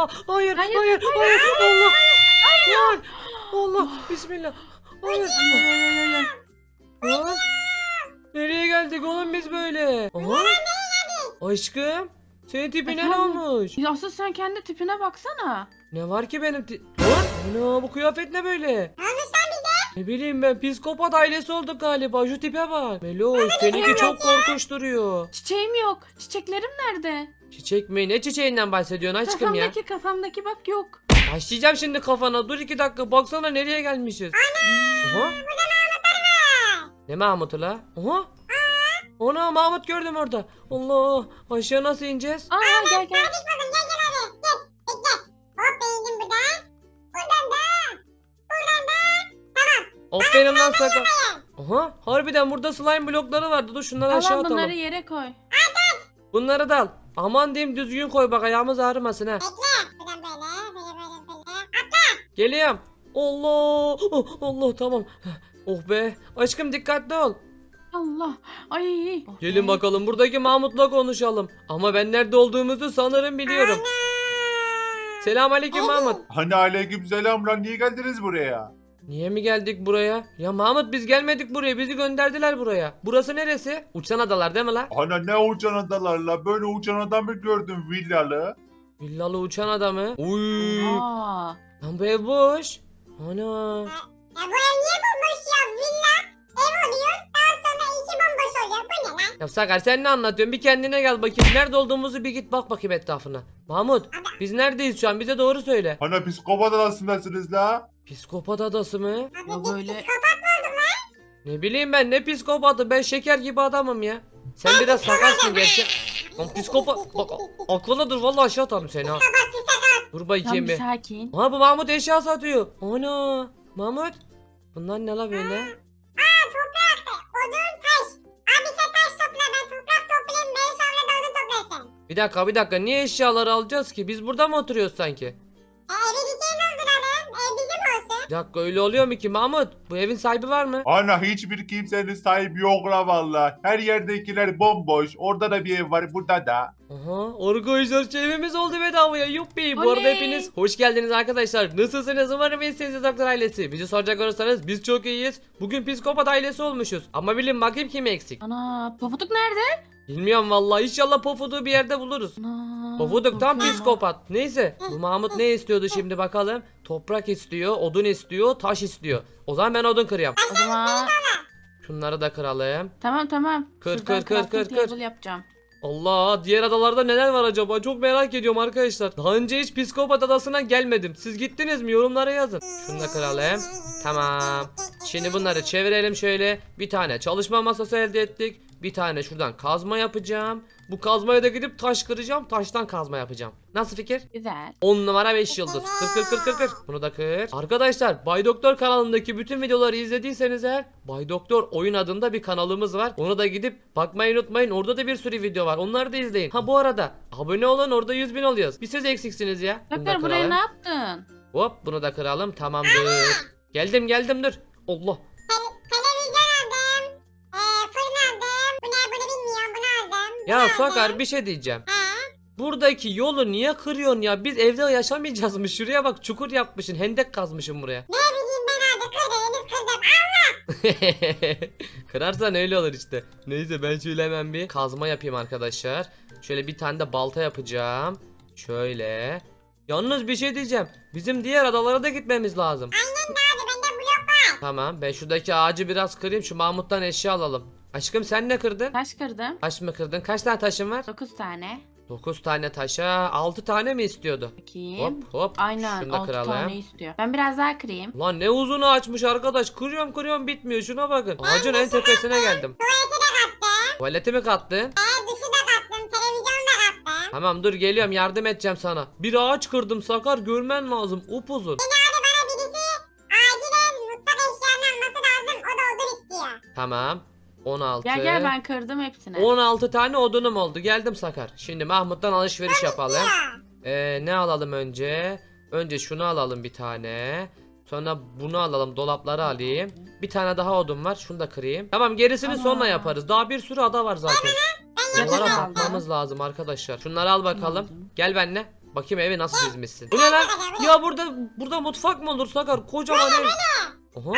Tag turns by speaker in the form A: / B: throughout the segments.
A: hayır,
B: Hayır,
A: hayır,
B: hayır,
A: hayır, Allah. Lan, Allah, bismillah. Hayır. Lan, nereye geldik oğlum biz böyle? Aha. Aşkım, senin tipine ne
B: Efendim?
A: olmuş?
B: Ya asıl sen kendi tipine baksana.
A: Ne var ki benim Lan, ana bu kıyafet ne böyle? Ne bileyim ben, psikopat ailesi olduk galiba, şu tipe bak. Meloş, seninki çok korkunç duruyor.
B: Çiçeğim yok. Çiçeklerim nerede?
A: Çiçek mi? Ne çiçeğinden bahsediyorsun aşkım ya?
B: Kafamdaki bak yok.
A: Başlayacağım şimdi kafana. Dur 2 dakika. Baksana nereye gelmişiz. Aha. Ne Mahmut'u la? Aha. Ana Mahmut gördüm orada. Allah. Aşağı nasıl ineceğiz?
B: Aa gel gel.
A: Aferin lan sakın. Aha. Harbiden burada slime blokları vardı. Dur şunları aşağı
B: Al
A: atalım.
B: bunları yere koy.
A: Bunları da al. Aman diyeyim düzgün koy bak, ayağımız ağrımasın ha. Geliyorum. Allah. Oh, Allah tamam. Oh be. Aşkım dikkatli ol.
B: Allah. Ay.
A: Gelin bakalım buradaki Mahmut'la konuşalım. Ama ben nerede olduğumuzu sanırım biliyorum. Selamünaleyküm Mahmut.
C: Hani aleykümselam lan, niye geldiniz buraya?
A: Niye mi geldik buraya? Ya Mahmut biz gelmedik buraya. Bizi gönderdiler buraya. Burası neresi? Uçan adalar değil mi la?
C: Hani ne uçan adalarla, böyle uçan adam mı gördüm villalı?
A: Villalı uçan adamı. Uy.
B: Aa.
A: Lan bu ev boş. Ana. Ya Sakar sen ne anlatıyorsun? Bir kendine gel bakayım. Nerede olduğumuzu bir git bak bakayım etrafına. Mahmut biz neredeyiz şu an? Bize doğru söyle.
C: Hani psikopat adasındasınız la?
A: Psikopat adası mı?
B: Ya böyle.
A: Ne bileyim ben, ne psikopatı, ben şeker gibi adamım ya. Sen biraz sakarsın gerçi. Lan psikopat bak, aklına dur vallahi aşağı atarım seni ha. Dur
B: Tam
A: bakayım
B: bir
A: bir.
B: sakin.
A: Ha bu Mahmut eşya satıyor. Ana Mahmut. Bunlar ne la böyle? Bir dakika niye eşyaları alacağız ki? Biz burada mı oturuyoruz sanki? Bir dakika öyle oluyor mu ki Mahmut? Bu evin sahibi var mı?
C: Hani hiçbir kimsenin sahibi yok la valla. Her yerdekiler bomboş. Orada da bir ev var, burada da.
A: Aha arkadaşlar evimiz oldu bedavaya, yuppi. Bu arada
B: Oley.
A: hepiniz hoş geldiniz arkadaşlar. Nasılsınız? Umarım iyisiniz Doktor ailesi. Bizi soracak olursanız biz çok iyiyiz. Bugün psikopat ailesi olmuşuz. Ama bilin bakayım kim eksik.
B: Ana Pofuduk nerede?
A: Bilmiyorum vallahi, inşallah Pofuduk'u bir yerde buluruz.
B: Ana.
A: Pofuduk tam
B: korkuyorum.
A: psikopat. Neyse bu Mahmut ne istiyordu şimdi bakalım. Toprak istiyor, odun istiyor, taş istiyor. O zaman ben odun kırıyorum.
B: O zaman
A: Şunları da kıralım.
B: tamam.
A: Kır,
B: Şuradan
A: kır, kır,
B: crafting
A: kır, kır.
B: table yapacağım.
A: Allah, diğer adalarda neler var acaba? Çok merak ediyorum arkadaşlar. Daha önce hiç psikopat adasına gelmedim. Siz gittiniz mi? Yorumlara yazın. Şunu da kıralım. Tamam. Şimdi bunları çevirelim şöyle. Bir tane çalışma masası elde ettik. Bir tane şuradan kazma yapacağım. Bu kazmaya da gidip taş kıracağım. Taştan kazma yapacağım. Nasıl fikir?
B: Güzel.
A: 10 numara 5 yıldız. Kır. Bunu da kır. Arkadaşlar Bay Doktor kanalındaki bütün videoları izlediyseniz eğer, Bay Doktor oyun adında bir kanalımız var. Onu da gidip bakmayı unutmayın. Orada da bir sürü video var. Onları da izleyin. Ha bu arada abone olun, orada 100.000 oluyoruz. Bir siz eksiksiniz ya. Bunu da
B: Doktor buraya
A: kıralım.
B: ne yaptın?
A: Hop bunu da kıralım. Tamamdır. Geldim dur. Allah. Ya Sakar bir şey diyeceğim. Buradaki yolu niye kırıyorsun ya? Biz evde yaşamayacağız mı? Şuraya bak, çukur yapmışsın. Hendek kazmışsın buraya. Kırarsan öyle olur işte. Neyse ben şöyle hemen bir kazma yapayım arkadaşlar. Şöyle bir tane de balta yapacağım. Şöyle. Yalnız bir şey diyeceğim. Bizim diğer adalara da gitmemiz lazım. Tamam ben şuradaki ağacı biraz kırayım. Şu Mahmut'tan eşya alalım. Aşkım sen ne kırdın?
B: Taş kırdım.
A: Taş mı kırdın? Kaç tane taşın var?
B: 9 tane.
A: 9 tane taşa 6 tane mi istiyordu?
B: Bakayım.
A: Hop.
B: Aynen
A: Şunu da
B: 6
A: kıralım.
B: tane istiyor. Ben biraz daha kırayım.
A: Lan ne uzunu açmış arkadaş. Kırıyorum bitmiyor. Şuna bakın. Ağacın en tepesine geldim. Tuvaleti mi kattın? Tamam dur geliyorum, yardım edeceğim sana. Bir ağaç kırdım Sakar, görmen lazım. Upuzun. Tamam. 16.
B: Gel ben kırdım hepsini.
A: 16 tane odunum oldu. Geldim Sakar. Şimdi Mahmut'tan alışveriş yapalım. Ne alalım önce? Önce şunu alalım bir tane. Sonra bunu alalım, dolapları alayım. Bir tane daha odun var, şunu da kırayım. Tamam gerisini
B: Tamam.
A: sonra yaparız. Daha bir sürü ada var zaten. Bunlara
B: Yatak aldım.
A: bakmamız lazım arkadaşlar. Şunları al bakalım.
B: Aldım.
A: Gel benimle. Bakayım evi nasıl dizmişsin. Bu ne lan? Ya burada mutfak mı olur Sakar? Kocaman ev. Aha.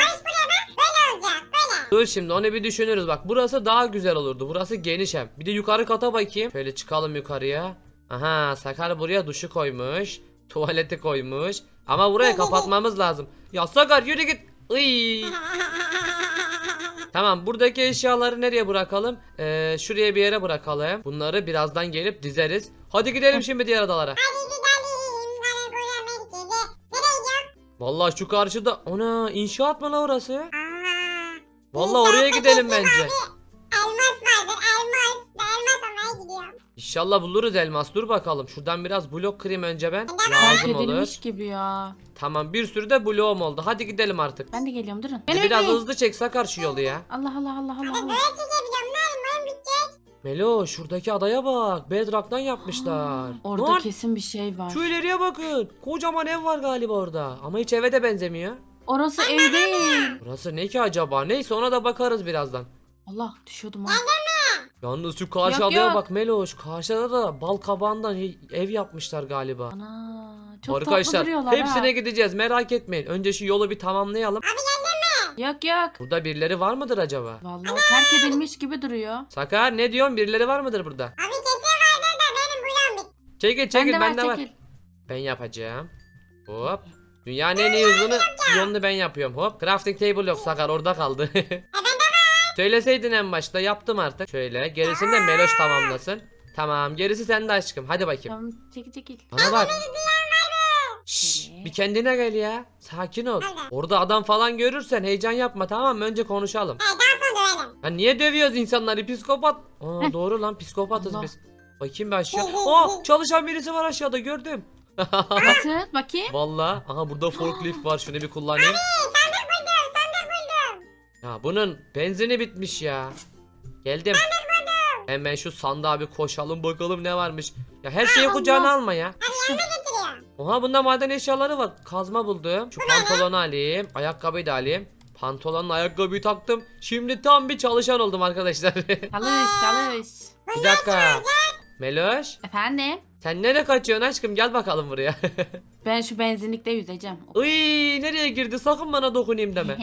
A: Dur şimdi onu bir düşünürüz bak. Burası daha güzel olurdu. Burası geniş hem. Bir de yukarı kata bakayım. Şöyle çıkalım yukarıya. Aha Sakar buraya duşu koymuş. Tuvaleti koymuş. Ama burayı kapatmamız lazım. Ya Sakar yürü git. Iy. Tamam buradaki eşyaları nereye bırakalım? Şuraya bir yere bırakalım. Bunları birazdan gelip dizeriz. Hadi gidelim şimdi diğer adalara. Vallahi şu karşıda ona inşaat mı la orası? Vallahi oraya gidelim bence.
D: Elmas vardır elmas. Ben elmas almaya gidiyorum.
A: İnşallah buluruz elmas. Dur bakalım. Şuradan biraz blok kırayım önce ben.
B: Terk
A: Lazım olur.
B: edilmiş gibi ya.
A: Tamam bir sürü de bloğum oldu. Hadi gidelim artık.
B: Ben de geliyorum durun.
A: Hadi biraz hızlı çek Sakar şu yolu ya.
B: Allah Allah Allah Allah. Allah.
D: Böyle çekebiliyorum lan. Benim bitecek.
A: Melo şuradaki adaya bak. Bedrock'tan yapmışlar.
B: Orada
A: Lan,
B: kesin bir şey var.
A: şu ileriye bakın. Kocaman ev var galiba orada. Ama hiç eve de benzemiyor.
B: Orası ev değil.
A: Burası ne ki acaba? Neyse ona da bakarız birazdan.
B: Allah düşüyordum ha.
A: Yalnız şu karşı
B: Yok,
A: adaya
B: yok.
A: bak Melo. Şu karşıda da bal kabağından ev yapmışlar galiba.
B: Ana çok tatlı
A: Arkadaşlar
B: duruyorlar
A: hepsine
B: ha.
A: gideceğiz merak etmeyin. Önce şu yolu bir tamamlayalım.
B: Yok yok.
A: Burada birileri var mıdır acaba?
B: Vallahi terk edilmiş gibi duruyor.
A: Sakar ne diyorsun? Birileri var mıdır burada?
D: Abi kesin vardır da benim buram bitti.
A: Çekil çekil bende var.
B: çekil.
A: Ben yapacağım. Hop. Dünyanın en iyi yolunu ben yapıyorum. Hop. Crafting table yok Sakar orada kaldı. Söyleseydin en başta yaptım artık. Şöyle gerisini de Meloş tamamlasın. Tamam gerisi sende aşkım. Hadi bakayım.
B: Tamam çekil çekil.
A: Bana bak. Şşş, bir kendine gel ya. Sakin ol. Orada adam falan görürsen heyecan yapma tamam mı? Önce konuşalım.
D: Daha sonra dövelim.
A: Ha niye dövüyoruz insanları? Psikopat. Aa doğru lan psikopatız
B: Allah.
A: biz. Bakayım bir aşağı. Aa çalışan birisi var aşağıda gördüm.
B: Nasıl bakayım?
A: Vallahi aha burada forklift var şunu bir kullanayım.
D: Sandık buldum.
A: Ya bunun benzini bitmiş ya. Geldim. Hemen şu sandığa bir koşalım bakalım ne varmış. Ya her şeyi kucağına alma ya.
D: Getiriyorum.
A: Oha bunda maden eşyaları var. Kazma buldum. Şu pantolonu alayım. Ayakkabıyı da alayım. Pantolonla ayakkabıyı taktım. Şimdi tam bir çalışan oldum arkadaşlar.
B: Çalış çalış.
A: Bir dakika. Meloş.
B: Efendim?
A: Sen nereye kaçıyorsun aşkım? Gel bakalım buraya.
B: Ben şu benzinlikte yüzeceğim.
A: Iy nereye girdi? Sakın bana dokunayım deme.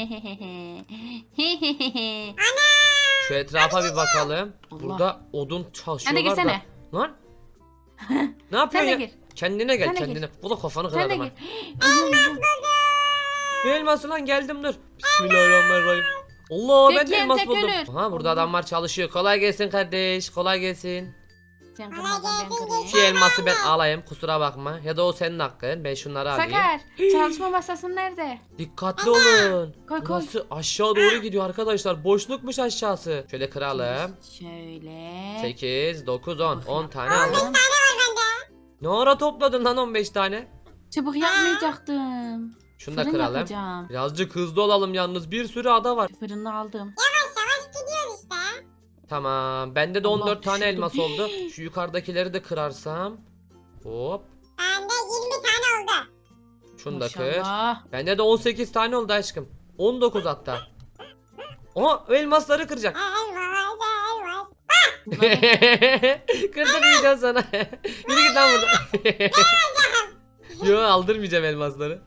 A: Şu etrafa bir bakalım.
B: Allah.
A: Burada odun
B: Sen de
A: çalışıyorlar da.
B: girsene.
A: Lan. Ne yapıyorsun
B: Sen de
A: ya?
B: gir.
A: Kendine gel
B: Sen de
A: kendine. Bu da kafanı
B: Sen de
A: kırarım ha.
B: gir.
A: Ne elması lan geldim dur. Bismillahirrahmanirrahim. Allah ben de
B: Bekleyin,
A: elmas
B: tek
A: buldum.
B: ölür.
A: Aha burada adamlar çalışıyor. Kolay gelsin kardeş. Kolay gelsin.
B: Sen kırmadan ben kırayım.
A: Şu elması ben alayım kusura bakma. Ya da o senin hakkın. Ben şunları alayım.
B: Sakar çalışma masası nerede?
A: Dikkatli olun.
B: Koy, koy.
A: Burası aşağı doğru gidiyor arkadaşlar. Boşlukmuş aşağısı. Şöyle kıralım.
B: Şöyle.
A: 8, 9, 10. 10 tane aldım.
B: Aldım.
A: Ne ara topladın lan 15 tane?
B: Çubuk yapmayacaktım.
A: Şunu da
B: Fırın
A: kıralım.
B: yapacağım.
A: Birazcık hızlı olalım yalnız. Bir sürü ada var.
B: Fırını aldım.
D: Yavaş yavaş gidiyoruz işte.
A: Tamam. Bende de
B: Allah
A: 14 tane
B: düşürdüm.
A: elmas oldu. Şu yukarıdakileri de kırarsam. Hop.
D: Bende 20 tane oldu.
A: Şunu da kır.
B: Maşallah.
A: Bende de 18 tane oldu aşkım. 19 hatta. Oha elmasları kıracak.
D: Elmas.
B: Bunları-
A: Kırdırmayacağım sana. Yürü git lan buradan. Yo aldırmayacağım elmasları.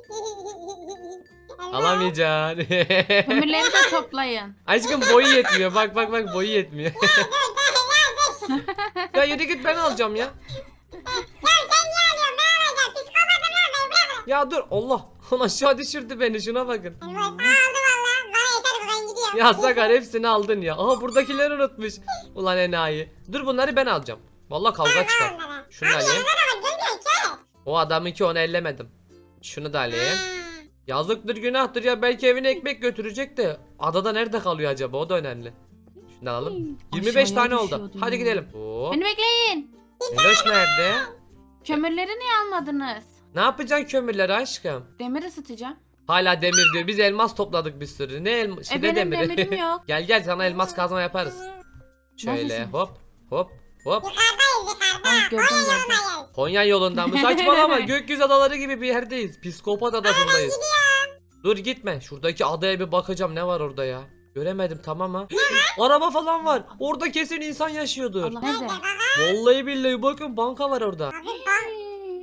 A: Alamayacaksın.
B: Kömürleri de toplayın.
A: Aşkım boyu yetmiyor. Bak bak bak boyu yetmiyor. Ya yürü git ben alacağım ya. Ya dur Allah. Onu aşağı düşürdü beni şuna bakın. Ya Sakar hepsini aldın ya. Aha buradakileri unutmuş. Ulan enayi. Dur bunları ben alacağım. Vallahi kavga çıkar. Şunu da alayım. O adamınki onu ellemedim. Şunu da alayım. Yazıktır günahtır ya belki evine ekmek götürecek de adada nerede kalıyor acaba o da önemli. Şunu alalım. 25
B: Aşağıya
A: tane oldu.
B: düşüyordu
A: Hadi
B: ya.
A: gidelim. Hop.
B: Beni bekleyin.
A: Meloş nerede?
B: Kömürleri niye almadınız?
A: Ne yapacaksın kömürleri aşkım?
B: Demir ısıtacağım.
A: Hala demir diyor. Biz elmas topladık bir sürü. Ne elmas?
B: Benim demirim yok.
A: Gel gel sana elmas kazma yaparız. Şöyle
B: Neredesiniz?
A: hop hop hop.
B: Ay gördüm gördüm.
A: Konya yolundan mı? Saçmalama. Gökyüzü adaları gibi bir yerdeyiz. Psikopat adasındayız. Dur gitme. Şuradaki adaya bir bakacağım. Ne var orada ya? Göremedim tamam ha. Araba falan var. Orada kesin insan yaşıyordur.
B: Allah nerede?
A: Vallahi billahi bakın banka var orada.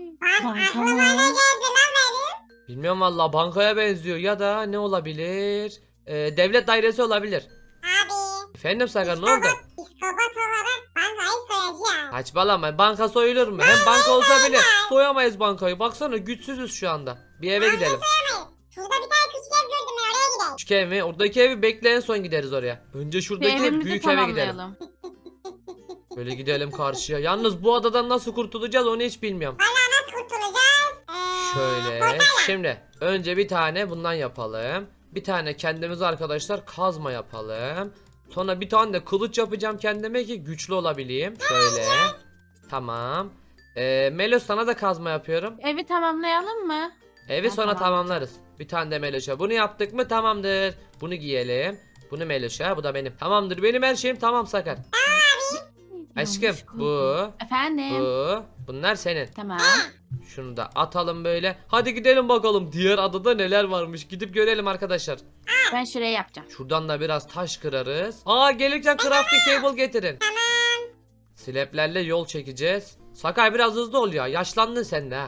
B: Banka
D: Aklıma ne
B: mı?
D: geldi lan benim?
A: Bilmiyorum valla, bankaya benziyor ya da ne olabilir? Devlet dairesi olabilir.
D: Abi.
A: Efendim Sakar, ne oldu?
D: Psikopat olarak bankayı soyacağım.
A: Saçmalama, banka soyulur mu? Hem banka olsa bile soyamayız bankayı. Baksana, güçsüzüz şu anda. Bir eve gidelim.
D: Şurada bir tane küçük ev gördüm, ben oraya gidelim.
A: Küçük ev mi? Oradaki evi bekle, en son gideriz oraya. Önce
B: Bir
A: şuradaki
B: evimizi
A: büyük eve gidelim.
B: tamamlayalım.
A: Böyle gidelim karşıya. Yalnız bu adadan nasıl kurtulacağız onu hiç bilmiyorum.
D: Nasıl kurtulacağız?
A: Şöyle. Şimdi önce bir tane bundan yapalım. Bir tane kendimize arkadaşlar kazma yapalım. Sonra bir tane de kılıç yapacağım kendime ki güçlü olabileyim. Şöyle. Tamam. Melos, sana da kazma yapıyorum.
B: Evi tamamlayalım mı?
A: Evi
B: Ha,
A: sonra
B: tamam.
A: tamamlarız. Bir tane de Meloş'a. Bunu yaptık mı tamamdır. Bunu giyelim. Bunu Meloş'a. Bu da benim. Tamamdır. Benim her şeyim tamam Sakar. Aşkım
B: Yanlış
A: bu.
B: koydum. Efendim.
A: Bu. Bunlar senin.
B: Tamam.
A: Şunu da atalım böyle. Hadi gidelim bakalım. Diğer adada neler varmış. Gidip görelim arkadaşlar.
B: Ben şuraya yapacağım.
A: Şuradan da biraz taş kırarız. Aa, gelirken crafting table getirin. Sleplerle yol çekeceğiz. Sakay biraz hızlı ol ya. Yaşlandın sen de ha.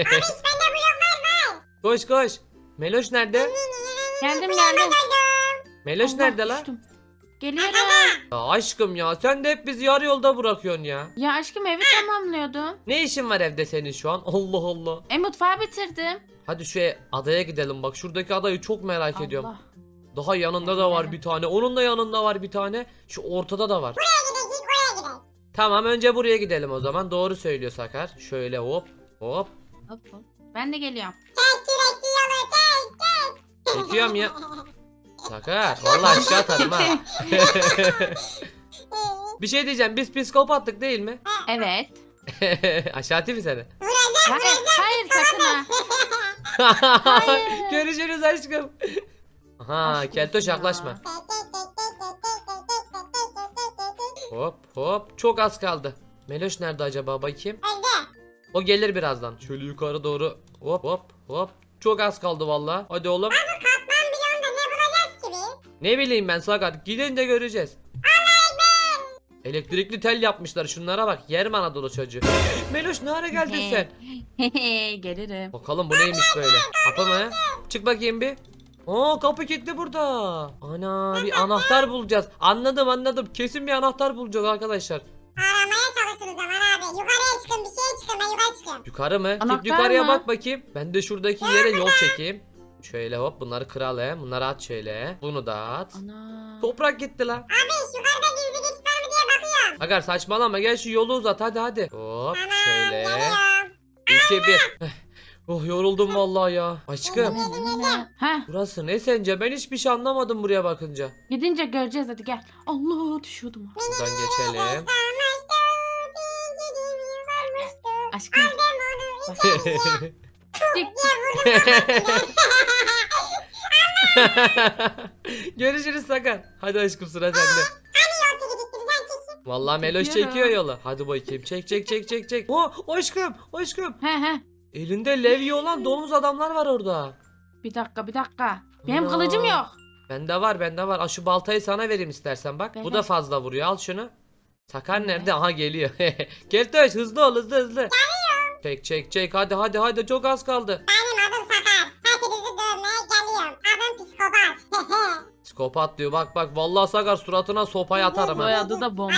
A: Koş koş. Meloş nerede?
B: Geldim.
A: Meloş
B: Allah,
A: nerede lan?
B: düştüm. Geliyorum.
A: Ya aşkım ya, sen de hep bizi yarı yolda bırakıyorsun ya.
B: Ya aşkım evi tamamlıyordum.
A: Ne işin var evde senin şu an? Allah Allah.
B: Mutfağı bitirdim.
A: Hadi şu adaya gidelim, bak şuradaki adayı çok merak ediyorum.
B: Allah.
A: Daha yanında da var bir tane. Onun da yanında var bir tane. Şu ortada da var.
D: Oraya gidelim.
A: Tamam, önce buraya gidelim o zaman. Doğru söylüyor Sakar. Şöyle hop hop.
B: Hop hop. Ben de geliyorum.
D: Çek kürekli yolu çek.
A: Çekiyorum ya. Sakar vallahi aşağı atarım ha. Bir şey diyeceğim, biz psikopattık değil mi?
B: Evet.
A: Aşağı atayım mı seni?
B: Hayır sakın ha. Hayır.
A: Görüşürüz aşkım. Aha,
B: Aşk
A: keltoş
B: olsun ya.
A: yaklaşma. Hop hop, çok az kaldı. Meloş nerede acaba, bakayım. O gelir birazdan. Şöyle yukarı doğru. Hop hop hop. Çok az kaldı vallahi. Hadi oğlum.
D: Katman milyonda ne bulacağız ki biz?
A: Ne bileyim ben Sakar. Gidince göreceğiz. Elektrikli tel yapmışlar, şunlara bak. Yerim Anadolu çocuğu. Meloş, ne ara geldin sen?
B: Gelirim.
A: Bakalım bu neymiş böyle. Kapı mı? Çık bakayım bir. Aa, kapı kilitli burada. Ana, bir anahtar bulacağız. Anladım. Kesin bir anahtar bulacağız arkadaşlar.
D: Aramaya çalışın o zaman abi. Yukarıya çıkın, bir şeye çıkın, ben yukarı çıkıyorum.
A: Yukarı mı? Git
B: Anahtar
A: yukarıya
B: mı?
A: bak bakayım. Ben de şuradaki yere yol çekeyim. Şöyle hop, bunları kıralım. Bunları at şöyle. Bunu da at.
B: Ana.
A: Toprak gitti la.
D: Abi yukarıda gizli geçit var mı diye bakıyorum.
A: Agar saçmalama, gel şu yolu uzat hadi. Hop
D: Tamam,
A: şöyle.
D: geliyorum.
A: 2 1. Oh, yoruldum vallahi ya. Aşkım,
B: Ha,
A: burası ne sence? Ben hiçbir şey anlamadım buraya bakınca.
B: gidince göreceğiz hadi gel. Allah düşüyordum.
A: Buradan geçelim.
B: Aşkım. Dik.
A: Görüşürüz Sakar. Hadi aşkım, sıra sende. Vallahi Meloş
B: Çekiyorum.
A: çekiyor yolu. Hadi bakayım. Çek. Oh, aşkım.
B: He.
A: Elinde levye olan domuz adamlar var orada.
B: Bir dakika. Benim
A: Ana.
B: kılıcım yok.
A: Bende var. Aa, şu baltayı sana vereyim istersen bak. Bu
B: Ver.
A: da fazla vuruyor. Al şunu. Sakar
B: Ver.
A: nerede? Aha, geliyor. Keltoş, hızlı ol, hızlı. Çek. Hadi. Çok az kaldı.
D: Benim adım Sakar. Hepinizi dövmeye geliyorum. Adım psikopat.
A: Psikopat diyor. Bak. Vallahi Sakar, suratına sopayı atarım ha.
B: Soyadı da bomba.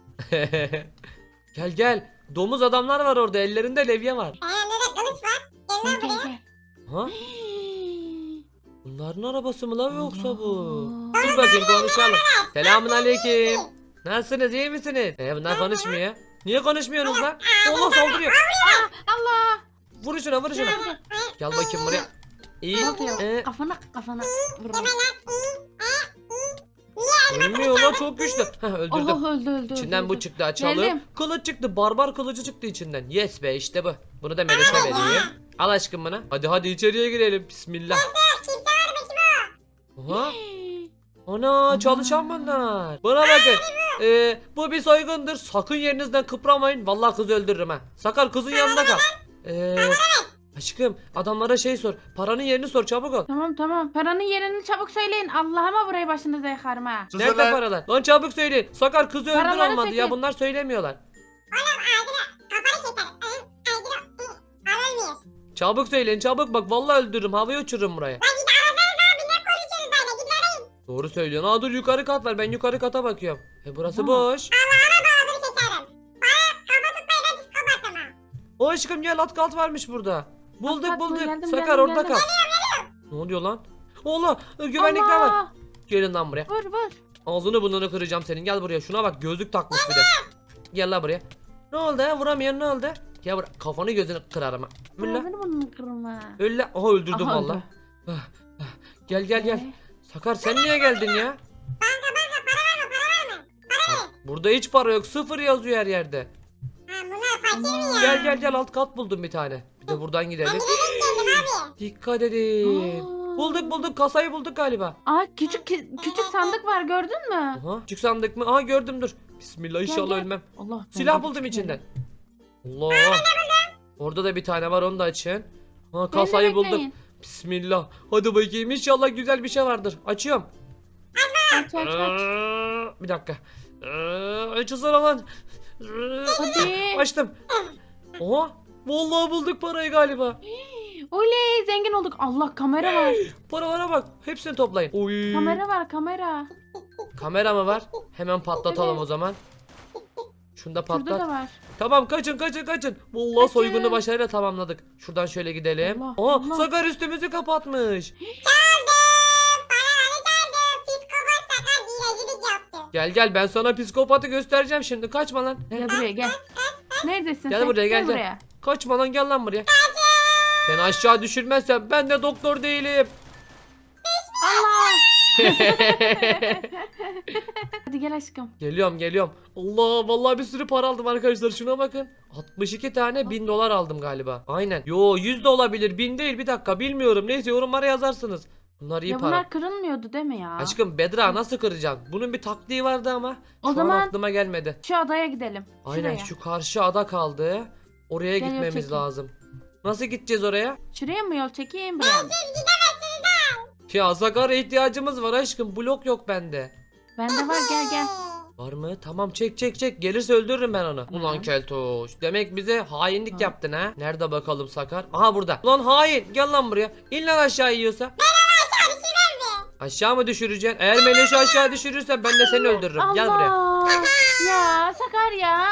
A: Gel. Domuz adamlar var orada. Ellerinde levye var.
D: Elimde de kılıç var. Gel lan buraya.
B: Gel.
A: Ha? Bunların arabası mı la yoksa bu?
B: Allah.
A: Dur bakayım, konuşalım. Selamun aleyküm. Nasılsınız, iyi misiniz? Bunlar konuşmuyor. Niye konuşmuyorsunuz lan? Allah, saldırıyor.
B: Allah.
A: Vur şuna. Gel bakayım buraya. İyi.
B: Ne oluyor?
A: Ee,
B: Kafana. Vur.
A: ölmüyor lan, çok güçlü. Heh, öldürdüm.
B: Allah öldü.
A: İçinden bu çıktı, açalım.
B: Geldim.
A: Kılıç çıktı, barbar kılıcı çıktı içinden. Yes be, işte bu. Bunu da Meloş'a vereyim. Al aşkım bunu. Hadi içeriye girelim. Bismillah. Aha. Ana, çalışan bunlar. Bana bakın. Bu bir soygundur. Sakın yerinizden kıpramayın. Vallahi kızı öldürürüm ha. Sakar, kızın yanında kal. Aşkım, adamlara şey sor. Paranın yerini sor, çabuk ol.
B: Tamam. Paranın yerini çabuk söyleyin. Allah'ıma burayı başınıza yakarım ha.
C: Susun
A: Nerede
C: lan.
A: paralar? Lan çabuk söyleyin. Sakar, kızı öldür
B: Paraları
A: olmadı ya.
B: çekin.
A: Bunlar söylemiyorlar.
D: Kafanı keserim. Alınmıyor.
A: Çabuk söyleyin çabuk bak vallahi öldürürüm havaya uçururum buraya.
D: Lan git arasanız abi ne konuşuyorsunuz öyle git arayın.
A: Doğru söylüyorsun. Aa dur yukarı kat var ben yukarı kata bakıyorum. Burası
B: Tamam.
A: boş.
D: Ağzını keserim. Bana kafa tutmayı ben psikopat ama.
A: O aşkım gel alt kat varmış burada. Bulduk
B: kat mı?
A: bulduk.
B: Geldim,
A: Sakar
B: geldim,
A: orada
B: geldim.
A: kal. Ne oluyor lan? Allah güvenlikler var.
B: Allah.
A: Gelin lan buraya.
B: Vur vur.
A: Ağzını burnunu kıracağım senin. Gel buraya. Şuna bak gözlük takmış bir de. Gel lan buraya. Ne oldu ya? Vuramıyorsun ne oldu? Gel buraya. Kafanı gözünü kırarım ha. Öyle.
B: Ağzını burnunu kırma.
A: Öyle. Aha öldürdüm
B: Aha,
A: valla.
B: öldü.
A: Gel gel gel. Sakar sen niye geldin ya? Burada hiç para yok. Sıfır yazıyor her yerde.
D: Ha bunlar fakir mi ya?
A: Gel gel gel alt kat buldum bir tane. Bir de buradan gidelim.
D: Ben geldim abi.
A: Dikkat edin.
B: Aa.
A: Bulduk kasayı bulduk galiba.
B: Aa küçük sandık var gördün mü?
A: Aha küçük sandık mı? Aha gördüm dur. Bismillah inşallah
B: gel.
A: ölmem.
B: Allah.
A: Silah
B: ben de
A: buldum
B: küçük
A: içinden.
B: dedim.
A: Allah. Orada da bir tane var onu da açın. Ha
B: Beni de
A: kasayı bulduk.
B: bekleyin.
A: Bismillah. Hadi bakayım inşallah güzel bir şey vardır. Açıyorum.
B: Aç aç aç.
A: Bir dakika. Açılsana lan.
B: Hadi.
A: Açtım. Oha. Vallahi bulduk parayı galiba.
B: Oley zengin olduk. Allah kamera var.
A: Paralara bak. Hepsini toplayın. Oy.
B: Kamera var kamera.
A: Kamera mı var? Hemen patlatalım
B: Evet.
A: o zaman. Şunu da
B: Şurada
A: patlat.
B: da var.
A: Tamam kaçın. Vallahi
B: Kaçın.
A: soygunu başarıyla tamamladık. Şuradan şöyle gidelim.
B: Allah,
A: Aa
B: Allah.
A: Sakar üstümüzü kapatmış.
D: Paraları çaldım. Psikopat sakar hilecilik yaptı.
A: Gel ben sana psikopatı göstereceğim şimdi. Kaçma lan.
B: Gel buraya gel. Neredesin
A: Gel
B: sen?
A: buraya, gel.
B: buraya.
A: Kaçma lan gel lan buraya. Seni aşağı düşürmezsem ben de doktor değilim.
B: Allah. Hadi gel aşkım.
A: Geliyorum. Allah vallahi bir sürü para aldım arkadaşlar. Şuna bakın. 62 tane 1000 dolar aldım galiba. Aynen. Yo 100 de olabilir. 1000 değil bir dakika bilmiyorum. Neyse yorumlara yazarsınız. Bunlar iyi
B: Ya
A: para.
B: bunlar kırılmıyordu değil mi ya?
A: Aşkım Bedra nasıl kıracaksın? Bunun bir taktiği vardı ama.
B: O
A: Şu an
B: zaman
A: aklıma gelmedi.
B: şu adaya gidelim.
A: Aynen
B: Şuraya.
A: şu karşı ada kaldı. Oraya
B: Gel,
A: gitmemiz
B: çekeyim.
A: lazım. Nasıl gideceğiz oraya?
B: Şuraya mı yol çekeyim buraya mı?
A: Ya Sakar'a ihtiyacımız var aşkım. Blok yok bende.
B: Bende var gel.
A: Var mı? Tamam çek. Gelirse öldürürüm ben onu. Ulan
B: Hı.
A: keltoş. Demek bize hainlik
B: Hı.
A: yaptın ha. Nerede bakalım Sakar? Aha burada. Ulan hain. Gel lan buraya. İn lan aşağı yiyorsa. Aşağı mı düşüreceksin? Eğer Meloş'u aşağı düşürürsen ben de seni öldürürüm. Gel buraya.
B: Allah. Ya Sakar ya.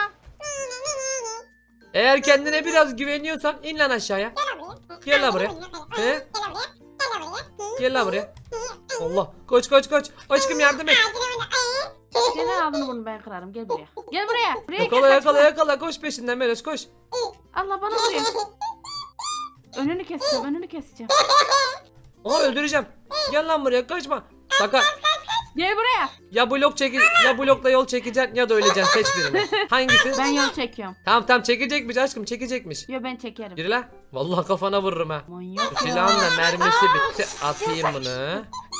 A: Eğer kendine biraz güveniyorsan in lan aşağıya. Gel lan buraya. He? Gel lan buraya. Allah. Koş. Aşkım yardım et.
B: Gel ağzını bunu ben kırarım gel buraya. Gel buraya. Buraya
A: Yakala. Koş peşinden Meloş koş.
B: Allah bana vuruyor. Önünü keseceğim.
A: Aha öldüreceğim. Gel lan buraya kaçma. Sakar.
B: Gel buraya.
A: Ya blokla yol çekeceksin ya da öleceksin seç birini. Hangisi?
B: Ben yol çekiyorum.
A: Tamam çekecekmiş aşkım çekecekmiş.
B: Yo ben çekerim.
A: Yürü lan. Vallahi kafana vururum ha.
B: Manyak
A: Bu
B: ya.
A: silahın da mermisi bitti. Atayım bunu.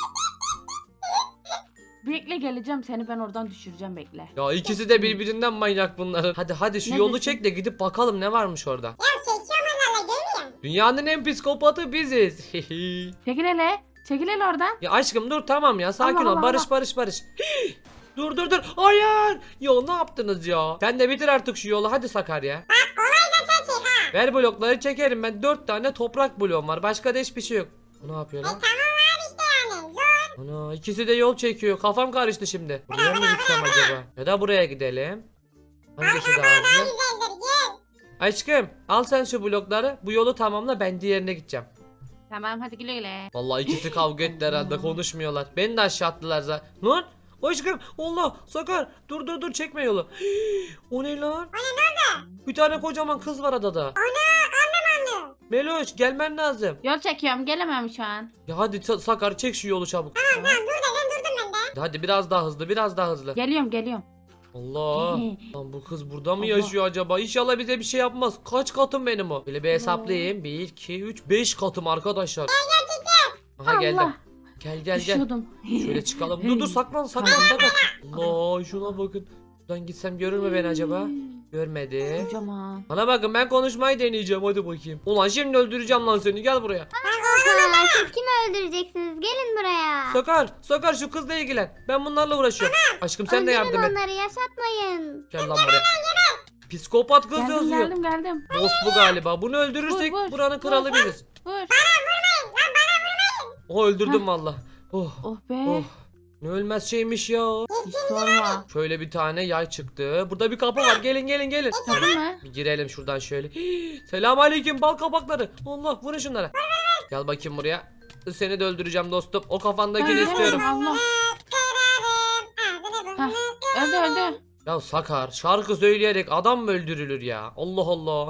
B: Bekle geleceğim seni ben oradan düşüreceğim bekle.
A: Ya ikisi de birbirinden manyak bunların. Hadi şu yolu
B: Neredesin?
A: çek de gidip bakalım ne varmış orada.
D: Ya çekiyorum onlarla görmüyor musun?
A: Dünyanın en psikopatı biziz.
B: Çekil hele. Çekil hele oradan.
A: Ya aşkım dur tamam ya sakin
B: Allah,
A: ol.
B: Allah,
A: Barış. Dur. Hayır. Ya ne yaptınız ya? Sen de bitir artık şu yolu hadi Sakar ya.
D: Kolayca sen çek ha.
A: Ver blokları çekerim ben 4 tane toprak bloğum var. Başka da hiçbir şey yok. Bu ne yapıyor lan?
D: Tamam abi işte yani. Zor.
A: Ana ikisi de yol çekiyor. Kafam karıştı şimdi. Buraya mı gitsem acaba? Ya da buraya gidelim. Hangisi daha hızlı?
D: Güzeldir gel.
A: Aşkım al sen şu blokları. Bu yolu tamamla ben diğerine gideceğim.
B: Tamam hadi güle güle.
A: Vallahi ikisi kavga etti herhalde konuşmuyorlar. Beni de aşağı attılar zaten. Lan aşkım Allah Sakar dur çekme yolu. O ne lan? Bir tane kocaman kız var adada. Meloş gelmen lazım.
B: Yol çekiyorum gelemem şu an.
A: Ya hadi Sakar çek şu yolu çabuk.
D: Tamam dur dedim durdum ben de.
A: Hadi biraz daha hızlı.
B: Geliyorum.
A: Allah. Lan bu kız burada mı
B: Allah.
A: yaşıyor acaba? İnşallah bize bir şey yapmaz. Kaç katım benim o? Böyle bir hesaplayayım. 1, 2, 3, 5 katım arkadaşlar. Aha geldim.
B: Allah.
A: Gel.
B: Düşüyordum.
A: Şöyle çıkalım. Dur saklan. Allah şuna bakın. Buradan gitsem görür mü beni acaba? Görmedi.
B: Kocaman.
A: Bana bakın ben konuşmayı deneyeceğim hadi bakayım. Ulan şimdi öldüreceğim lan seni gel buraya.
E: Ha, siz kimi öldüreceksiniz? Gelin buraya.
A: Sakar şu kızla ilgilen. Ben bunlarla uğraşıyorum. Aşkım sen de
E: Öldürün
A: yardım et.
E: onları yaşatmayın.
A: Gel lan buraya. Psikopat kız
B: Geldim
A: yazıyor.
B: geldim geldim.
A: Boss bu galiba. Bunu öldürürsek
B: Vur, vur,
A: buranın kralı
B: vur.
A: biziz.
B: Vur.
A: O öldürdüm valla. Oh.
B: Oh be.
A: Oh. Ne ölmez şeymiş ya.
B: Hiç sorma.
A: Şöyle bir tane yay çıktı. Burada bir kapı var. Gelin gelin gelin.
B: Tabii mi?
A: Bir girelim şuradan şöyle. Selam aleyküm bal kabakları. Allah vurun şunlara. Gel bakayım buraya. Seni de öldüreceğim dostum. O kafandakini
B: Ben
A: istiyorum.
B: Allah.
D: Kırarım ağzını
B: Hah,
D: burnunu
B: öldü öldü.
A: Ya Sakar şarkı söyleyerek adam mı öldürülür ya? Allah Allah.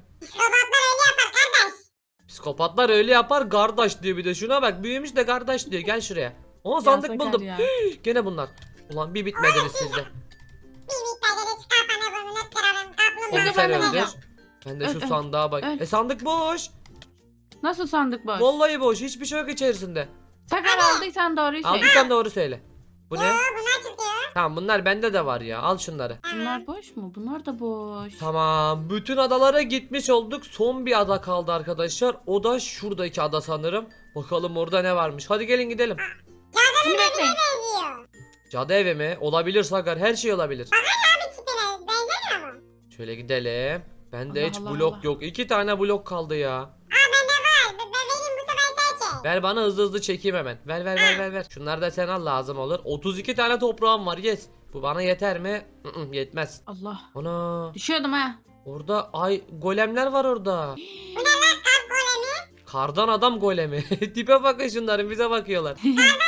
D: Psikopatlar öyle yapar kardeş.
A: Psikopatlar öyle yapar kardeş diyor bir de. Şuna bak büyümüş de kardeş diyor. Gel şuraya. Aa
B: Ya
A: sandık
B: Sakar
A: buldum.
B: ya.
A: Gene bunlar. Ulan bir bitmediniz sizde.
D: Bir miktarda çıkartanı burnunu kırarım.
A: Onu
B: Öldü,
A: sen
B: ben de
A: öldür.
B: alacağım.
A: Ben de şu
B: Öl,
A: sandığa bak.
B: öl.
A: Sandık boş.
B: Nasıl sandık boş?
A: Vallahi boş. Hiçbir şey yok içerisinde.
B: Sakar aldıysan doğruyu söyle.
A: Aldıysan doğru söyle. Bu ne?
D: Bunlar çıkıyor.
A: Tamam bunlar bende de var ya. Al şunları.
B: Bunlar boş mu? Bunlar da boş.
A: Tamam. Bütün adalara gitmiş olduk. Son bir ada kaldı arkadaşlar. O da şuradaki ada sanırım. Bakalım orada ne varmış. Hadi gelin gidelim.
B: Şimdi bekleyin.
D: Benziyor.
A: Cadı evi mi? Olabilir Sakar. Her şey olabilir.
D: Bir tipine benzemiyor mu?
A: Şöyle gidelim. Bende
B: Allah
A: hiç
B: Allah
A: blok
B: Allah.
A: yok. 2 tane blok kaldı ya.
D: Bende var. Benim bu sefer sen çek.
A: Ver bana hızlı hızlı çekeyim hemen. Ver. Şunları da sen al lazım olur. 32 tane toprağım var. Yes. Bu bana yeter mi? Yetmez.
B: Allah.
A: Ana.
B: Düşüyordum ha.
A: Orada ay golemler var orada.
D: Kalk golemi.
A: Kardan adam golemi. Tipe bakın şunların bize bakıyorlar.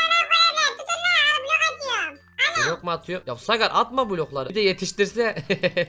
D: Blok atıyorum.
A: Blok mu atıyor? Ya Sakar atma blokları. Bir de yetiştirse.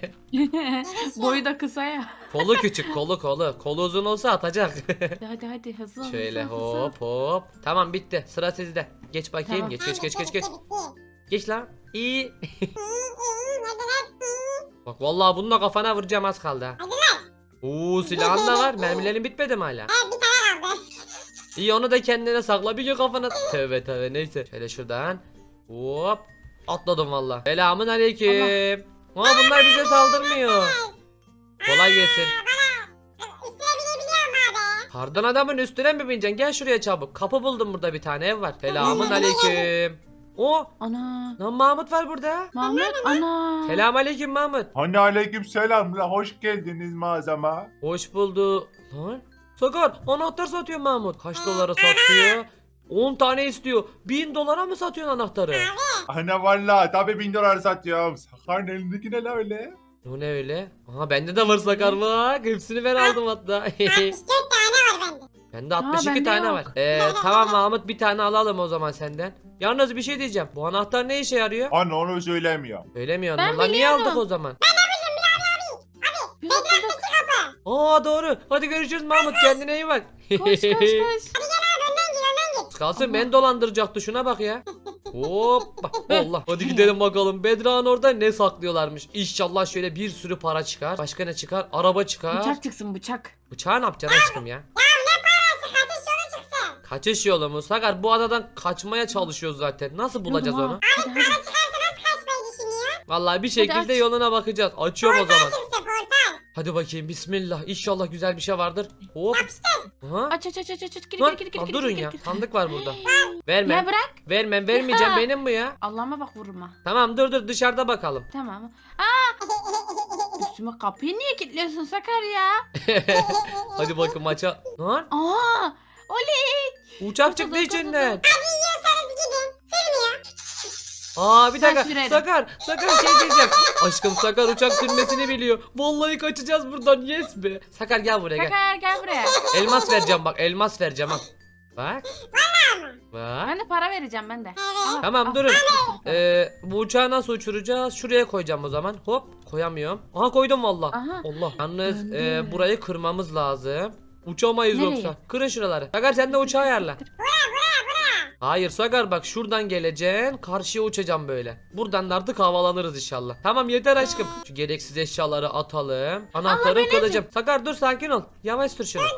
B: Boyu da kısa ya.
A: Kolu küçük kolu. Kolu uzun olsa atacak.
B: Hadi hızlı ol.
A: Şöyle
B: hızlı ol, hızlı ol.
A: hop. Tamam bitti. Sıra sizde. Geç bakayım.
B: Tamam.
A: Geç.
D: Bitti.
A: Geç lan. İyi.
D: Hadi lan.
A: Bak vallahi bununla kafana vuracağım az kaldı ha.
D: Hadi lan.
A: Oo silahın da var. Mermilerin bitmedi mi hala?
D: Bir tane kaldı.
A: İyi onu da kendine sakla bir gün kafana. Tövbe neyse. Şöyle şuradan. Hop. Atladım valla. Selamun aleyküm. Aa bunlar bize saldırmıyor. Kolay gelsin.
D: Üstüne binebiliyorum abi.
A: Kardan adamın üstüne mi bineceksin? Gel şuraya çabuk. Kapı buldum burada bir tane ev var. Selamun aleyküm. O
B: Ana.
A: lan Mahmut var burada.
B: Mahmut ana.
A: Selam aleyküm Mahmut.
C: Hani aleyküm selam la hoş geldiniz mağazama.
A: Hoş buldu. Lan. Sakar anahtar satıyor Mahmut. Kaç dolara satıyor? 10 tane istiyor. 1000 dolara mı satıyorsun anahtarı?
C: Ana valla tabi 1000 dolar satıyorum. Sakarın elindeki ne la öyle?
A: O ne öyle? Aha bende de var Sakar bak. Hepsini ben aldım hatta.
D: 64 tane var bende.
A: Bende 62
B: bende
A: tane
B: yok.
A: var. Tamam Mahmut bir tane alalım o zaman senden. Yalnız bir şey diyeceğim. Bu anahtar ne işe yarıyor?
C: Ana onu söylemiyor.
A: Söylemiyorsun
B: Ben
A: lan. Niye
B: biliyorum.
A: aldık o zaman?
B: Yok, yok.
A: Aa doğru. Hadi görüşürüz Mahmut. Kendine iyi bak.
B: Koş.
D: Önden gir.
A: Kalsın beni dolandıracaktı şuna bak ya. Hoppa. Allah. Hadi gidelim bakalım. Bedra'nın orada ne saklıyorlarmış. İnşallah şöyle bir sürü para çıkar. Başka ne çıkar? Araba çıkar.
B: Bıçak çıksın bıçak.
A: Bıçağı ne yapacaksın aşkım ya?
D: Kaçış yolu çıksın.
A: Kaçış yolu mu? Sakar bu adadan kaçmaya çalışıyoruz zaten. Nasıl bulacağız
B: Yoluma.
A: onu?
B: Hadi hadi.
D: Kaçmayı düşünüyor.
A: Vallahi bir şekilde
B: aç.
A: yoluna bakacağız. Açıyorum o zaman.
D: Çıksın portal.
A: Hadi bakayım bismillah. İnşallah güzel bir şey vardır. Hop. Aha.
B: Aç. Gir
A: Lan,
B: gir.
A: lan durun ya. Sandık var burada.
B: Ya
A: Vermem.
B: bırak.
A: Vermeyeceğim benim bu ya.
B: Allah'ıma bak vurma.
A: Tamam dur dışarıda bakalım.
B: Tamam. Üstüme kapıyı niye kilitliyorsun Sakar ya?
A: Hadi bakın maça. Lan
B: Aa! Oley!
A: uçak çıktı içinden.
D: Yiyorsanız gidin. Sürmüyor.
A: Aa bir
B: Ben
A: dakika.
B: sürerim.
A: Sakar şey diyeceğim. Aşkım Sakar uçak sürmesini biliyor. Vallahi kaçacağız buradan. Yes be. Sakar gel buraya gel.
B: Sakar gel buraya.
A: Elmas vereceğim bak. Elmas vereceğim al. Bak. Bak.
B: Ben de para vereceğim ben de. Al,
A: Tamam
B: al.
A: durun. Bu uçağı nasıl uçuracağız? Şuraya koyacağım o zaman. Hop koyamıyorum. Aha koydum valla.
B: Aha.
A: Allah. Yalnız
B: Döndü.
A: burayı kırmamız lazım. Uçamayız
B: Nereye?
A: yoksa. Kırın şuraları. Sakar sen de uçağı ayarla. Hayır Sakar bak şuradan geleceksin. Karşıya uçacağım böyle. Buradan da artık havalanırız inşallah. Tamam yeter aşkım. Şu gereksiz eşyaları atalım. Anahtarı kılacağım. Sakar dur sakin ol. Yavaş sür şunu.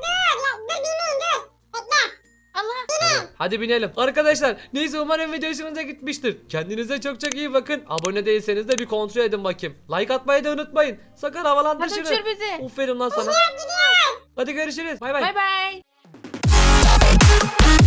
B: Allah.
A: Hadi binelim. Arkadaşlar neyse umarım video hoşunuza gitmiştir. Kendinize çok iyi bakın. Abone değilseniz de bir kontrol edin bakayım. Like atmayı da unutmayın. Sakar havalandır
B: Hadi
A: şunu.
B: uçur bizi.
A: Aferin lan sana. Hadi görüşürüz. Bay bay.
B: Bay bay.